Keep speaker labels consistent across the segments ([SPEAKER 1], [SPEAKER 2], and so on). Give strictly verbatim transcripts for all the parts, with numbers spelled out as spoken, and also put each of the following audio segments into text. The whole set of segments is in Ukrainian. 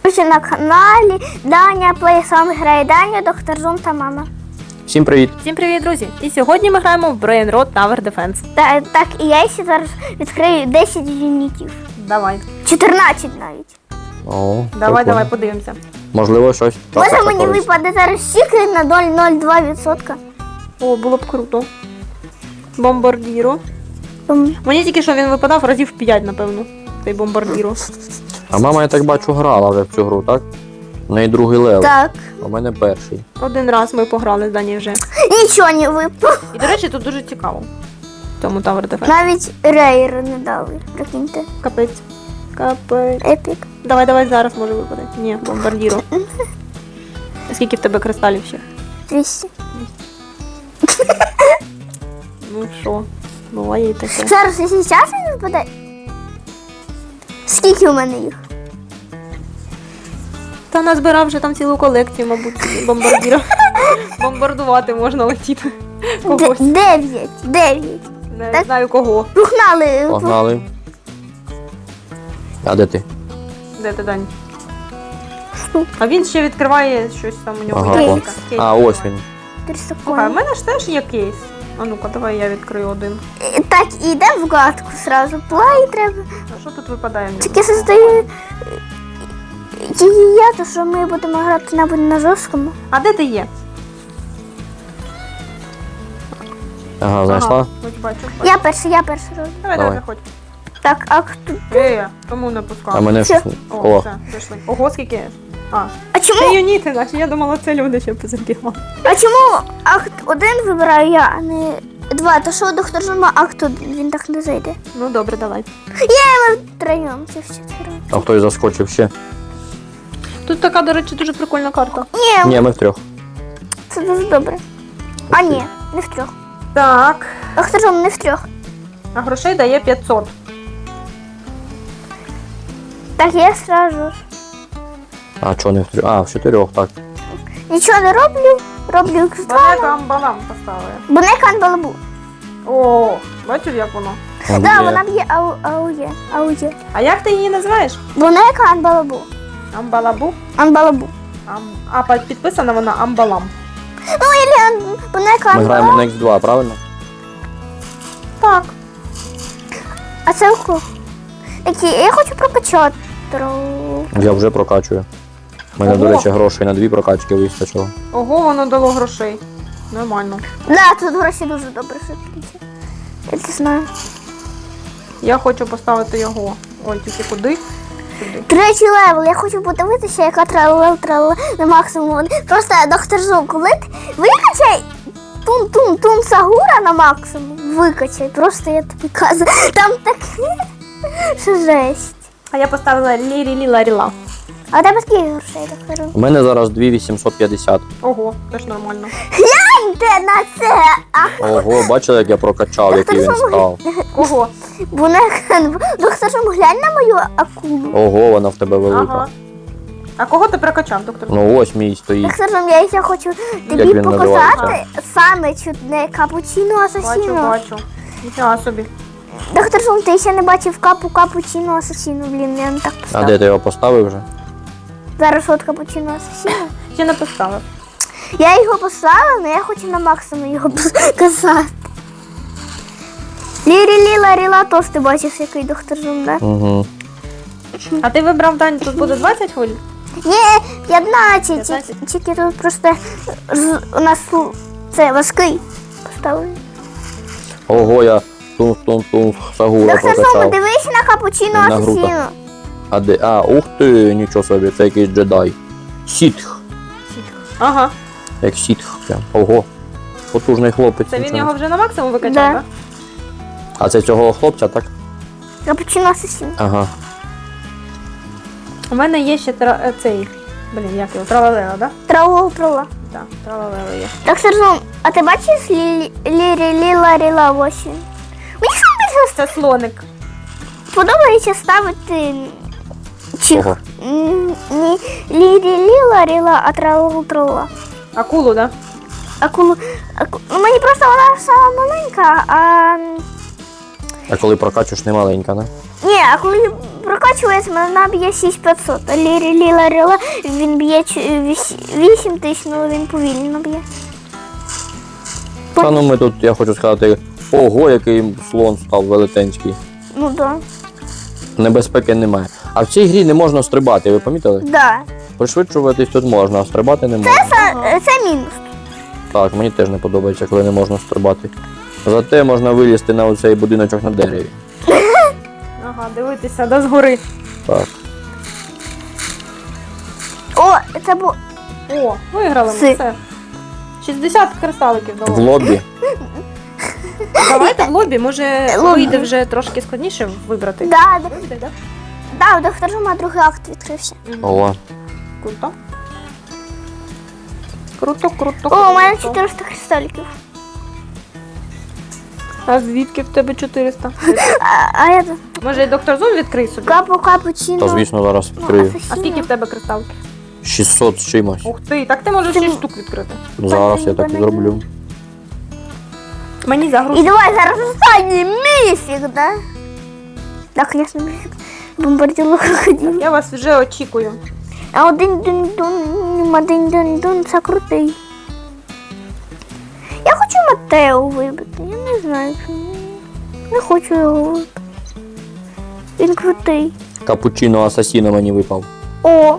[SPEAKER 1] Друзі, на каналі Даня Плейсом грає Даня, доктор Зум та мама.
[SPEAKER 2] Всім привіт!
[SPEAKER 3] Всім привіт, друзі! І сьогодні ми граємо в Brain Rot Tower Defense.
[SPEAKER 1] Та, так, і я ще зараз відкрию десять юнітів.
[SPEAKER 3] Давай.
[SPEAKER 1] чотирнадцять навіть.
[SPEAKER 2] О,
[SPEAKER 3] Давай,
[SPEAKER 2] прикольно.
[SPEAKER 3] давай, подивимося.
[SPEAKER 2] Можливо, щось.
[SPEAKER 1] Може
[SPEAKER 2] трапиться
[SPEAKER 1] мені
[SPEAKER 2] колись.
[SPEAKER 1] випаде зараз стікер на нуль цілих нуль два відсотка.
[SPEAKER 3] О, було б круто. Бомбардіро.
[SPEAKER 1] Ем,
[SPEAKER 3] Мені тільки що він випадав разів п'ять, напевно. Цей бомбардіро.
[SPEAKER 2] А мама, я так бачу, грала вже в цю гру, так? У неї другий левел,
[SPEAKER 1] Так,
[SPEAKER 2] а у мене перший.
[SPEAKER 3] Один раз ми пограли з Дані вже.
[SPEAKER 1] нічого не випало.
[SPEAKER 3] І, до речі, тут дуже цікаво. В цьому Tower Defense.
[SPEAKER 1] Навіть рейер не дали, прикиньте.
[SPEAKER 3] Капець. Капець.
[SPEAKER 1] Епік.
[SPEAKER 3] Давай, давай, зараз може випаде. Ні, бомбардіро. Скільки в тебе кристалів ще?
[SPEAKER 1] двісті.
[SPEAKER 3] Ну що, буває і таке.
[SPEAKER 1] Зараз, якщо зараз він випаде. Скільки у мене їх?
[SPEAKER 3] Та назбирав вже там цілу колекцію, мабуть, бомбардіро. Бомбардувати можна летіти.
[SPEAKER 1] Д-
[SPEAKER 3] Когось.
[SPEAKER 1] Дев'ять. Дев'ять.
[SPEAKER 3] Не
[SPEAKER 1] Так.
[SPEAKER 3] знаю кого.
[SPEAKER 1] Погнали.
[SPEAKER 2] Погнали. А де ти?
[SPEAKER 3] Де ти, Дань? А він ще відкриває щось там у нього.
[SPEAKER 2] Ага,
[SPEAKER 3] є
[SPEAKER 2] о.
[SPEAKER 3] якась кейс.
[SPEAKER 2] А, ось він.
[SPEAKER 1] Тридцять
[SPEAKER 3] Слухай, в
[SPEAKER 1] секунд.
[SPEAKER 3] мене ж теж є кейс. А ну-ка, давай я відкрию один.
[SPEAKER 1] І Так, і йдемо в гадку сразу. Плай треба.
[SPEAKER 3] А що тут випадає в нього?
[SPEAKER 1] Тільки создаю її я, то що ми будемо грати мабуть, на жорсткому.
[SPEAKER 3] А де ти є?
[SPEAKER 2] Ага, знайшла?
[SPEAKER 3] Ага, ось бачу. бачу.
[SPEAKER 1] Я перший, я перший роблю.
[SPEAKER 3] Давай,
[SPEAKER 2] Давай.
[SPEAKER 3] давай, заходь.
[SPEAKER 1] Так, а хто?
[SPEAKER 3] Е, тому не пускав.
[SPEAKER 2] А мене
[SPEAKER 1] Що?
[SPEAKER 2] щось...
[SPEAKER 3] О,
[SPEAKER 2] О,
[SPEAKER 3] все, пішли. Ого, скільки? А,
[SPEAKER 1] А
[SPEAKER 3] це
[SPEAKER 1] чому?
[SPEAKER 3] юніти наші, я думала, це люди ще позабігали.
[SPEAKER 1] А чому акт один вибираю я, а не два? То що доктор Жума акт один, він так не зайде.
[SPEAKER 3] Ну добре, давай.
[SPEAKER 1] Ми втроєм, це все втроєм.
[SPEAKER 2] а хтось заскочив ще?
[SPEAKER 3] Тут така, до речі, дуже прикольна карта.
[SPEAKER 1] Ні,
[SPEAKER 2] Ні, ми втрьох.
[SPEAKER 1] це дуже добре. А ні, не в трьох.
[SPEAKER 3] Так.
[SPEAKER 1] Доктор Жум, не в трьох.
[SPEAKER 3] А грошей дає п'ятсот.
[SPEAKER 1] Так, я сразу.
[SPEAKER 2] А, чого не в трьох? А, в чотирьох, так.
[SPEAKER 1] Нічого не роблю, роблю кристал.
[SPEAKER 3] Балекам балам поставили.
[SPEAKER 1] Бо не канбалабу.
[SPEAKER 3] О, бачив, як воно?
[SPEAKER 2] Там
[SPEAKER 1] Так,
[SPEAKER 2] є.
[SPEAKER 1] вона б'є ау, аує, аує.
[SPEAKER 3] А як ти її називаєш?
[SPEAKER 1] Бо не канбалабу.
[SPEAKER 3] Амбалабу?
[SPEAKER 1] Анбалабу.
[SPEAKER 3] Ам... А під- підписана вона Амбалам.
[SPEAKER 1] Ну, или ан... бо не
[SPEAKER 2] Ми граємо
[SPEAKER 1] канбалабу.
[SPEAKER 2] на ікс два, правильно?
[SPEAKER 3] Так.
[SPEAKER 1] А це охо. Такі, я хочу прокачати. Тру.
[SPEAKER 2] Я вже прокачую. У мене, до
[SPEAKER 3] Ого.
[SPEAKER 2] речі, грошей на дві прокачки вистачило.
[SPEAKER 3] Ого, воно дало грошей. Нормально.
[SPEAKER 1] Да, тут гроші дуже добре швидкі. Я це знаю.
[SPEAKER 3] Я хочу поставити його. Ой, тільки куди? Сюди.
[SPEAKER 1] Третій левел. Я хочу подивитися, яка тралел тралел на максимум. Просто доктор Зум, коли ти викачай тун-тун-тун Сагура на максимум. Викачай. Просто я тобі кажу. Там таке, що жесть.
[SPEAKER 3] А я поставила лірі-лі-ларіла.
[SPEAKER 1] А у тебе скільки грошей, доктор Зум?
[SPEAKER 2] У мене зараз дві тисячі вісімсот п'ятдесят.
[SPEAKER 3] Ого, теж нормально.
[SPEAKER 1] Гляньте на це! А
[SPEAKER 2] Ого, бачили, як я прокачав, який він став.
[SPEAKER 3] Кого?
[SPEAKER 1] бо не доктор Зум, глянь на мою акулу.
[SPEAKER 2] Ого, вона в тебе велика.
[SPEAKER 3] Ага. А кого ти прокачав, доктор?
[SPEAKER 2] Ну ось мій стоїть.
[SPEAKER 1] Доктор Зум, я ще хочу тобі
[SPEAKER 2] він
[SPEAKER 1] показати
[SPEAKER 2] називається?
[SPEAKER 1] саме чудне капучино
[SPEAKER 3] Бачу,
[SPEAKER 1] асасіно.
[SPEAKER 3] бачу. Ніфіга собі.
[SPEAKER 1] Доктор Зум, ти ще не бачив капу капучино асасіно, блін, я не так
[SPEAKER 2] А
[SPEAKER 1] поставив.
[SPEAKER 2] де ти його поставив вже?
[SPEAKER 1] Зараз от капучино асасіно.
[SPEAKER 3] Ще не поставив.
[SPEAKER 1] Я його поставила, але я хочу на максимум його показати. Лірі-ліла ріла тос, ти бачиш, який доктор Зум, да?
[SPEAKER 2] Угу.
[SPEAKER 3] А ти вибрав, Дань, тут буде двадцять хвилин?
[SPEAKER 1] Ні, п'ятнадцять,
[SPEAKER 3] п'ятнадцять?
[SPEAKER 1] тільки- тільки тут просто з- у нас лу- це важкий поставили.
[SPEAKER 2] Ого, я тун-тун-тун Сагура
[SPEAKER 1] Доктор Зум,
[SPEAKER 2] прокачав.
[SPEAKER 1] дивись на капучино
[SPEAKER 2] На грудах.
[SPEAKER 1] асасіно.
[SPEAKER 2] А де? А, ух ти, нічого собі, це якийсь джедай. Сітх.
[SPEAKER 3] Ага.
[SPEAKER 2] Як сітх прям. Ого. Потужний хлопець.
[SPEAKER 3] Це він
[SPEAKER 2] нічого.
[SPEAKER 3] його вже на максимум викачав,
[SPEAKER 1] Да.
[SPEAKER 3] так?
[SPEAKER 2] А це цього хлопця, так?
[SPEAKER 1] Капучино асасіно.
[SPEAKER 2] Ага.
[SPEAKER 3] У мене є ще тра... е, цей. Блін, як його? Тралалела, да?
[SPEAKER 1] Траул трула.
[SPEAKER 3] Так, тралалела є.
[SPEAKER 1] Доктор Зум, а ти бачиш лі- лірі ліла ріла ось він? Мені саме більше
[SPEAKER 3] Це слоник.
[SPEAKER 1] подобається ставити чих.
[SPEAKER 2] Кого?
[SPEAKER 1] М, Ні лірі ліла ріла, а траул трула.
[SPEAKER 3] Акулу, да?
[SPEAKER 1] Акулу. Аку... Ну, мені просто вона сама маленька, а
[SPEAKER 2] А коли прокачуєш, не маленька, не?
[SPEAKER 1] Ні, а коли прокачується, вона б'є шість тисяч п'ятсот. А Лірі Ліла Ріла він б'є вісім тисяч, але він повільно б'є.
[SPEAKER 2] Та ну ми тут, я хочу сказати, ого, який слон став велетенський.
[SPEAKER 1] Ну да.
[SPEAKER 2] Небезпеки немає. А в цій грі не можна стрибати, ви помітили?
[SPEAKER 1] Да.
[SPEAKER 2] Пришвидшуватись тут можна, а стрибати не можна.
[SPEAKER 1] Це, це мінус.
[SPEAKER 2] Так, мені теж не подобається, коли не можна стрибати. Зате можна вилізти на оцей будиночок на дереві.
[SPEAKER 3] Ага, дивитися, да, згори.
[SPEAKER 2] Так.
[SPEAKER 1] О, це було.
[SPEAKER 3] О, виграли
[SPEAKER 1] Си.
[SPEAKER 3] ми все. шістдесят кристаликів
[SPEAKER 2] В
[SPEAKER 3] дало.
[SPEAKER 2] лобі.
[SPEAKER 3] Давайте в лобі, може
[SPEAKER 1] Лобі.
[SPEAKER 3] вийде вже трошки складніше вибрати.
[SPEAKER 1] Да, да,
[SPEAKER 3] Вийде, да?
[SPEAKER 1] да, у доктора Жума другий акт відкрився.
[SPEAKER 3] Мгм.
[SPEAKER 2] Ого.
[SPEAKER 3] Круто. Круто, круто,
[SPEAKER 1] О, у мене
[SPEAKER 3] круто.
[SPEAKER 1] чотириста кристаліків.
[SPEAKER 3] А звідки в тебе чотириста?
[SPEAKER 1] А, а я тут
[SPEAKER 3] Може і доктор Зум відкрий собі?
[SPEAKER 1] капу капучино.
[SPEAKER 2] Та звісно зараз
[SPEAKER 1] Ну,
[SPEAKER 2] відкрию.
[SPEAKER 3] А скільки в тебе кристалків?
[SPEAKER 2] шістсот з чимось.
[SPEAKER 3] Ух ти, так ти можеш
[SPEAKER 1] Ти-
[SPEAKER 3] шість штук відкрити.
[SPEAKER 2] Зараз я так і зроблю.
[SPEAKER 3] Мені
[SPEAKER 1] І
[SPEAKER 3] загрузить.
[SPEAKER 1] давай зараз останній міфік, да? Так, звісно, міфік. Бомбарділо крокодил.
[SPEAKER 3] Я вас вже очікую.
[SPEAKER 1] А один дун дун один дун дун це крутий. Я хочу Матео вибити, я не знаю. чому. Не хочу його вибити. Він крутий.
[SPEAKER 2] Капучино асасіно мені випав.
[SPEAKER 1] О,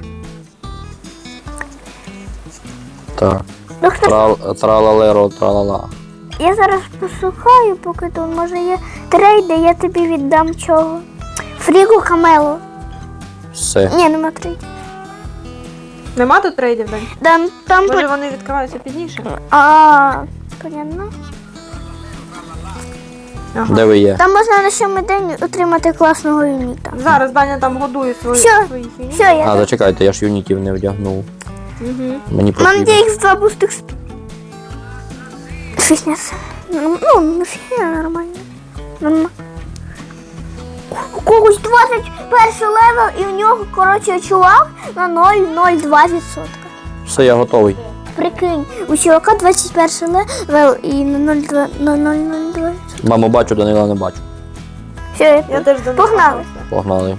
[SPEAKER 2] Так.
[SPEAKER 1] доктор,
[SPEAKER 2] Трал, тралалеро, тралала.
[SPEAKER 1] я зараз пошукаю, поки тут може є трейди, я тобі віддам чого. Фрігу Камело.
[SPEAKER 2] Все.
[SPEAKER 1] Ні, нема трейдів.
[SPEAKER 3] Нема тут трейдів, Дань?
[SPEAKER 1] Там, там,
[SPEAKER 3] Може
[SPEAKER 1] по-
[SPEAKER 3] вони відкриваються пізніше?
[SPEAKER 1] а, понятно.
[SPEAKER 3] Ага.
[SPEAKER 2] Де ви є?
[SPEAKER 1] Там можна на сьомий день отримати класного юніта.
[SPEAKER 3] Зараз Даня там годує свої,
[SPEAKER 1] Що?
[SPEAKER 3] своїх юнітів.
[SPEAKER 1] Все, я
[SPEAKER 2] А, зачекайте, я ж юнітів не вдягнув.
[SPEAKER 3] Угу.
[SPEAKER 2] Мені
[SPEAKER 1] Нам
[SPEAKER 2] потрібно.
[SPEAKER 1] є ікс два буст ікс. Фігня. Ну, ну, не фігня, нормально. Нормально. У когось двадцять перший левел і в нього, коротше, чувак на нуль цілих нуль два відсотка.
[SPEAKER 2] Все, я готовий.
[SPEAKER 1] Прикинь, у чувака двадцять перший левел і на нуль цілих два відсотка.
[SPEAKER 2] Маму бачу, Данила не бачу.
[SPEAKER 1] Все, я,
[SPEAKER 3] Я теж до них
[SPEAKER 1] Погнали.
[SPEAKER 3] готуюся.
[SPEAKER 2] Погнали.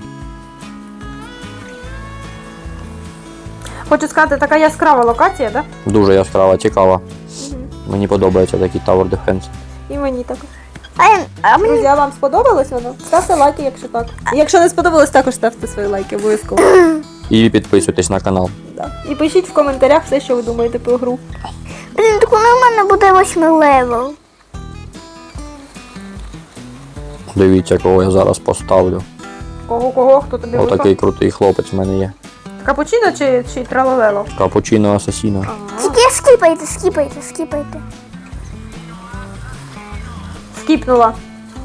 [SPEAKER 3] Хочу сказати, така яскрава локація, так?
[SPEAKER 2] Дуже яскрава, цікава.
[SPEAKER 3] Да? Угу.
[SPEAKER 2] Мені подобається такий Tower Defense.
[SPEAKER 3] І мені також.
[SPEAKER 1] а, я- а мені
[SPEAKER 3] Друзі, а вам сподобалось воно? Ставте лайки, якщо так. Якщо не сподобалось, також ставте свої лайки обов'язково.
[SPEAKER 2] І підписуйтесь на канал.
[SPEAKER 3] Да. І пишіть в коментарях все, що ви думаєте про гру.
[SPEAKER 1] блін, так коли в мене буде восьмий левел.
[SPEAKER 2] Дивіться, кого я зараз поставлю.
[SPEAKER 3] Кого, кого, хто тобі
[SPEAKER 2] Отакий
[SPEAKER 3] випав?
[SPEAKER 2] крутий хлопець в мене є.
[SPEAKER 3] Капучино чи, чи тралалело?
[SPEAKER 2] Капучино асасіно.
[SPEAKER 3] Ага.
[SPEAKER 1] Тільки скіпайте, скіпайте, скіпайте.
[SPEAKER 3] Скіпнула.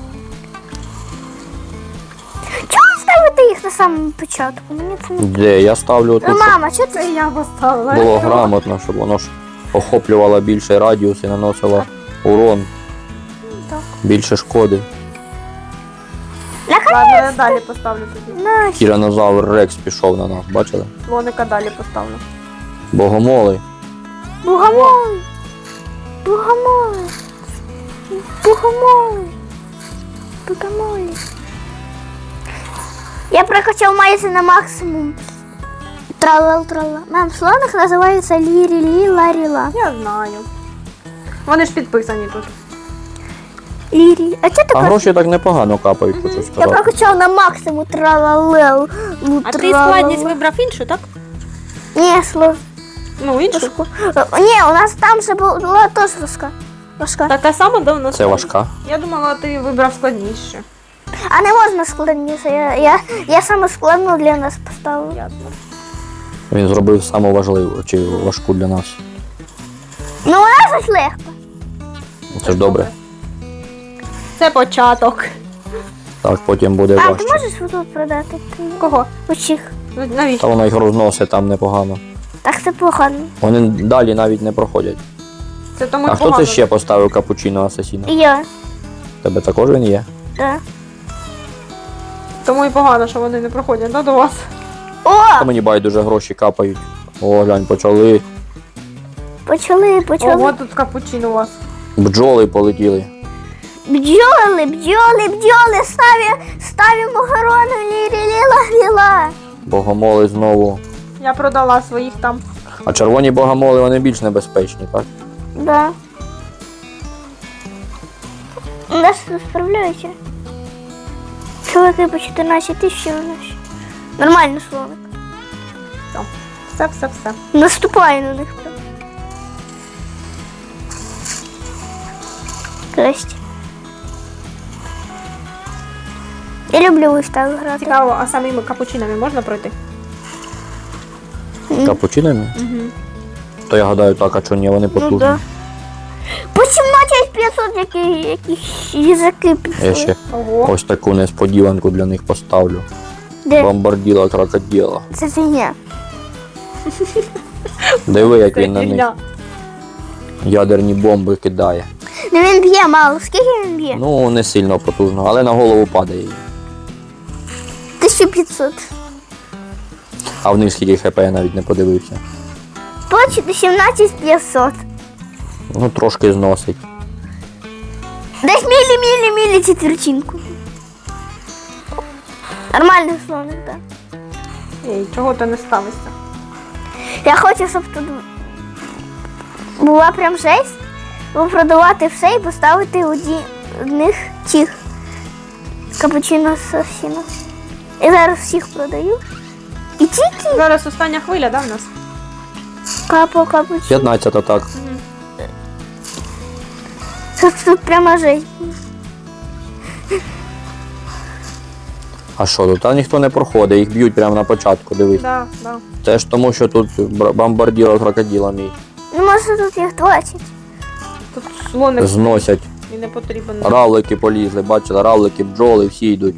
[SPEAKER 1] Чого ви ставите їх на самому початку? Мені це не...
[SPEAKER 2] Де? Я ставлю
[SPEAKER 1] Ну,
[SPEAKER 2] тут, щоб
[SPEAKER 1] мама, чого ти?
[SPEAKER 3] Це я поставила.
[SPEAKER 2] було грамотно, щоб воно ж охоплювало більший радіус і наносило урон,
[SPEAKER 1] Так.
[SPEAKER 2] більше шкоди.
[SPEAKER 3] Ладно, я далі поставлю тоді.
[SPEAKER 1] На,
[SPEAKER 2] Тиранозавр Рекс пішов на нас, бачили?
[SPEAKER 3] Слоника далі поставлю.
[SPEAKER 2] Богомоли.
[SPEAKER 1] Богомолы! Богомолы! Богомолы! Богомолы! Я прокачал майзи на максимум. Тралал трала. Мам, слоник називається лірі-лі ларіла.
[SPEAKER 3] Я знаю. Вони ж підписані тут.
[SPEAKER 1] Лірі. А чого ти
[SPEAKER 2] А
[SPEAKER 1] кажеш?
[SPEAKER 2] гроші так непогано капають, хочу
[SPEAKER 1] Я
[SPEAKER 2] сказати.
[SPEAKER 1] прокачав на максимум тралалел. Ну,
[SPEAKER 3] А ти
[SPEAKER 1] тралала.
[SPEAKER 3] складність вибрав іншу, так?
[SPEAKER 1] Ні, слов.
[SPEAKER 3] Ну, іншу.
[SPEAKER 1] Ні, у нас там ще була теж важка. Важка.
[SPEAKER 3] Така сама давно.
[SPEAKER 2] Це важка.
[SPEAKER 3] Я думала, ти вибрав складніше.
[SPEAKER 1] А не можна складніше. Я, я, я саме складну для нас поставила.
[SPEAKER 3] Ясно.
[SPEAKER 2] Він зробив саму важливу чи важку для нас.
[SPEAKER 1] Ну, вона щось легко.
[SPEAKER 2] Це ж добре.
[SPEAKER 3] Це початок.
[SPEAKER 2] Так, потім буде
[SPEAKER 1] А, ти
[SPEAKER 2] важче.
[SPEAKER 1] можеш тут продати? Ти
[SPEAKER 3] Кого?
[SPEAKER 1] очих.
[SPEAKER 3] Ну,
[SPEAKER 2] Та
[SPEAKER 3] навіщо?
[SPEAKER 2] воно їх розносить там непогано.
[SPEAKER 1] Так це погано.
[SPEAKER 2] Вони далі навіть не проходять.
[SPEAKER 3] Це тому
[SPEAKER 2] А
[SPEAKER 3] й
[SPEAKER 2] хто
[SPEAKER 3] погано.
[SPEAKER 2] це ще поставив капучино асасіна?
[SPEAKER 1] І я.
[SPEAKER 2] Тебе також він є?
[SPEAKER 1] Так.
[SPEAKER 3] Тому і погано, що вони не проходять, да, до вас.
[SPEAKER 1] О!
[SPEAKER 2] Та мені байдуже гроші капають. О, глянь, почали.
[SPEAKER 1] Почали, почали.
[SPEAKER 3] Ого, тут капучино у вас.
[SPEAKER 2] Бджоли полетіли.
[SPEAKER 1] Бджоли, бджоли, бджоли, ставим, ставим огорону, лі-лі-лі-ла-лі-ла.
[SPEAKER 2] Богомоли знову.
[SPEAKER 3] Я продала своїх там.
[SPEAKER 2] А червоні богомоли вони більш небезпечні, так?
[SPEAKER 1] Да. У нас тут справляються. Чоловіки по чотирнадцять тисяч у нас. Нормально слоник.
[SPEAKER 3] Все, все, все, все.
[SPEAKER 1] Наступає на них. Красть. Я люблю ось так грати.
[SPEAKER 3] Цікаво, а самими капучинами можна пройти?
[SPEAKER 2] Капучинами?
[SPEAKER 3] Угу.
[SPEAKER 2] То я гадаю так, а чого ні, вони потужні.
[SPEAKER 1] Ну да. По сімнадцять п'ятсот які, якісь язики пішли.
[SPEAKER 2] Я ще
[SPEAKER 3] Ого.
[SPEAKER 2] ось таку несподіванку для них поставлю.
[SPEAKER 1] Де?
[SPEAKER 2] Бомбарділа крокодила.
[SPEAKER 1] Це фігня.
[SPEAKER 2] Диви, як
[SPEAKER 3] Це
[SPEAKER 2] він на них
[SPEAKER 3] фігня.
[SPEAKER 2] ядерні бомби кидає.
[SPEAKER 1] Ну він б'є мало. Скільки він б'є?
[SPEAKER 2] Ну, не сильно потужно, але на голову падає.
[SPEAKER 1] тисяча п'ятсот.
[SPEAKER 2] А в них скільки хп я навіть не подивився.
[SPEAKER 1] Точно сімнадцять п'ятсот.
[SPEAKER 2] Ну, трошки зносить.
[SPEAKER 1] Десь мілі-мілі-мілі четвертинку. Нормальний слоник, так.
[SPEAKER 3] Ей, чого ти не ставишся?
[SPEAKER 1] Я хочу, щоб тут була прям жесть, бо продавати все і поставити одні, одних тих капучино асасіно. Я зараз всіх продаю. І тільки
[SPEAKER 3] Зараз остання хвиля, да, в нас?
[SPEAKER 1] капо капучино.
[SPEAKER 2] п'ятнадцята так.
[SPEAKER 1] Тут, тут прямо жесть.
[SPEAKER 2] А що, тут а ніхто не проходить, їх б'ють прямо на початку, дивись.
[SPEAKER 3] Да, да.
[SPEAKER 2] Це ж тому, що тут бр- бомбарділа крокодила мій.
[SPEAKER 1] Ну, може тут їх двадцять.
[SPEAKER 3] Тут слоник
[SPEAKER 2] Зносять.
[SPEAKER 3] і не потрібен.
[SPEAKER 2] Равлики полізли, бачите, равлики, бджоли, всі йдуть.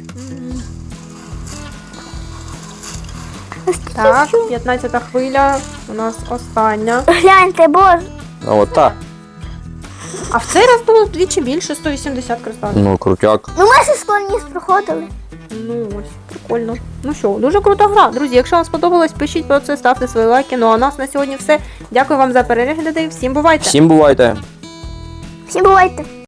[SPEAKER 3] Так, п'ятнадцята хвиля, у нас остання.
[SPEAKER 1] Гляньте, боже.
[SPEAKER 2] Ну от так.
[SPEAKER 3] А в цей раз було вдвічі більше, сто вісімдесят кристалів.
[SPEAKER 2] Ну, крутяк.
[SPEAKER 1] Ну ми зі склоніс проходили.
[SPEAKER 3] Ну ось, прикольно. Ну що, дуже крута гра. Друзі, якщо вам сподобалось, пишіть про це, ставте свої лайки. Ну а у нас на сьогодні все. Дякую вам за перегляди. Всім бувайте!
[SPEAKER 2] Всім бувайте!
[SPEAKER 1] Всім бувайте.